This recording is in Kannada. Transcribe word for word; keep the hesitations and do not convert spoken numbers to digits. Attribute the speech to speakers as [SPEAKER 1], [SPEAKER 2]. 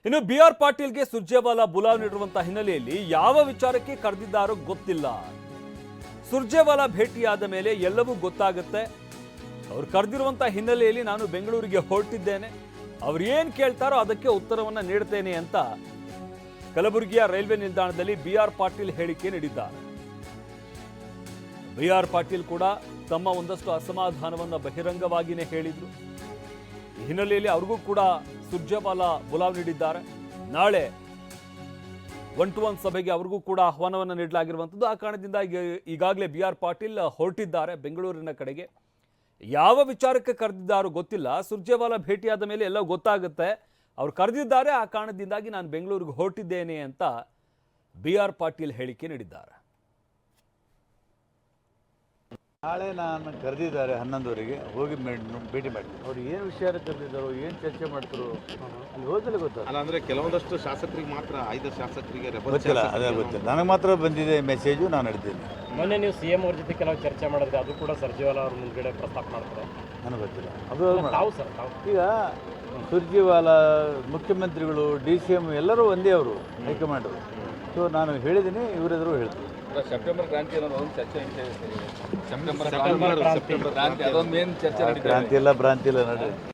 [SPEAKER 1] ಇನ್ನು ಬಿ ಆರ್ ಪಾಟೀಲ್ಗೆ ಸುರ್ಜೇವಾಲಾ ಬುಲಾವ್ ನೀಡಿರುವಂತಹ ಹಿನ್ನೆಲೆಯಲ್ಲಿ ಯಾವ ವಿಚಾರಕ್ಕೆ ಕರೆದಿದ್ದಾರೋ ಗೊತ್ತಿಲ್ಲ. ಸುರ್ಜೇವಾಲಾ ಭೇಟಿಯಾದ ಮೇಲೆ ಎಲ್ಲವೂ ಗೊತ್ತಾಗುತ್ತೆ. ಅವ್ರು ಕರೆದಿರುವಂತಹ ಹಿನ್ನೆಲೆಯಲ್ಲಿ ನಾನು ಬೆಂಗಳೂರಿಗೆ ಹೊರಟಿದ್ದೇನೆ, ಅವ್ರು ಏನ್ ಕೇಳ್ತಾರೋ ಅದಕ್ಕೆ ಉತ್ತರವನ್ನ ನೀಡ್ತೇನೆ ಅಂತ ಕಲಬುರಗಿಯ ರೈಲ್ವೆ ನಿಲ್ದಾಣದಲ್ಲಿ ಬಿ ಆರ್ ಪಾಟೀಲ್ ಹೇಳಿಕೆ ನೀಡಿದ್ದಾರೆ. ಬಿ ಆರ್ ಪಾಟೀಲ್ ಕೂಡ ತಮ್ಮ ಒಂದಷ್ಟು ಅಸಮಾಧಾನವನ್ನ ಬಹಿರಂಗವಾಗಿಯೇ ಹೇಳಿದ್ರು. ಈ ಹಿನ್ನೆಲೆಯಲ್ಲಿ ಅವ್ರಿಗೂ ಕೂಡ ಸುರ್ಜೇವಾಲಾ ಬುಲಾವ್ ನೀಡಿದ್ದಾರೆ. ನಾಳೆ ಒನ್ ಟು ಒನ್ ಸಭೆಗೆ ಅವ್ರಿಗೂ ಕೂಡ ಆಹ್ವಾನವನ್ನು ನೀಡಲಾಗಿರುವಂಥದ್ದು. ಆ ಕಾರಣದಿಂದ ಈಗ ಈಗಾಗಲೇ ಬಿ ಆರ್ ಪಾಟೀಲ್ ಹೊರಟಿದ್ದಾರೆ ಬೆಂಗಳೂರಿನ ಕಡೆಗೆ. ಯಾವ ವಿಚಾರಕ್ಕೆ ಕರೆದಿದ್ದಾರೋ ಗೊತ್ತಿಲ್ಲ. ಸುರ್ಜೇವಾಲಾ ಭೇಟಿಯಾದ ಮೇಲೆ ಎಲ್ಲ ಗೊತ್ತಾಗುತ್ತೆ. ಅವ್ರು ಕರೆದಿದ್ದಾರೆ, ಆ ಕಾರಣದಿಂದಾಗಿ ನಾನು ಬೆಂಗಳೂರಿಗೆ ಹೊರಟಿದ್ದೇನೆ ಅಂತ ಬಿ ಆರ್ ಪಾಟೀಲ್ ಹೇಳಿಕೆ ನೀಡಿದ್ದಾರೆ.
[SPEAKER 2] ನಾಳೆ ನಾನು ಕರೆದಿದ್ದಾರೆ ಹನ್ನೊಂದುವರೆಗೆ, ಹೋಗಿ ಭೇಟಿ ಮಾಡಿ ಅವ್ರು ಏನು ವಿಷಯ ಕರೆದಿದ್ದಾರೋ, ಏನು ಚರ್ಚೆ ಮಾಡ್ತಾರೋ ಅಲ್ಲಿ ಹೋದಲ್ಲೇ ಗೊತ್ತಾಗ.
[SPEAKER 3] ಅಲ್ಲ ಅಂದರೆ ಕೆಲವೊಂದಷ್ಟು ಶಾಸಕರಿಗೆ ಮಾತ್ರ, ಐದು ಶಾಸಕರಿಗೆ
[SPEAKER 2] ಗೊತ್ತಿಲ್ಲ, ಅದೇ ಗೊತ್ತಿಲ್ಲ. ನನಗೆ ಮಾತ್ರ ಬಂದಿದೆ ಮೆಸೇಜು, ನಾನು ಹಿಡ್ತೀನಿ.
[SPEAKER 4] ಮೊನ್ನೆ ನೀವು ಸಿ ಎಂ ಅವ್ರ ಜೊತೆ ಕೆಲವು ಚರ್ಚೆ ಮಾಡಿದ್ರೆ ಅದು ಕೂಡ ಸುರ್ಜೇವಾಲಾ ಅವ್ರ ಮುಂದ್ಗಡೆ ಪ್ರಸ್ತಾಪ ಮಾಡ್ತಾರೆ.
[SPEAKER 2] ನನಗೆ ಗೊತ್ತಿಲ್ಲ ಅದು.
[SPEAKER 4] ತಾವು ಸರ್ ತಾವು
[SPEAKER 2] ಈಗ ಸುರ್ಜೇವಾಲಾ ಮುಖ್ಯಮಂತ್ರಿಗಳು, ಡಿ ಸಿ ಎಮ್ ಎಲ್ಲರೂ ಒಂದೇ, ಅವರು ಹೈಕಮಾಂಡರು. ಸೊ ನಾನು ಹೇಳಿದ್ದೀನಿ, ಇವರೆದುರು ಹೇಳ್ತೀನಿ.
[SPEAKER 5] ಸೆಪ್ಟೆಂಬರ್ ಕ್ರಾಂತಿ ಅನ್ನೋದು ಒಂದು ಚರ್ಚೆ ಸೆಪ್ಟೆಂಬರ್ ಕ್ರಾಂತಿ ಅದೊಂದು ಮೇನ್ ಚರ್ಚೆ ನಡೀತಾ ಇದೆ.
[SPEAKER 2] ಕ್ರಾಂತಿ ಇಲ್ಲ ಭ್ರಾಂತಿ ಇಲ್ಲ ನಡ್ರಿ.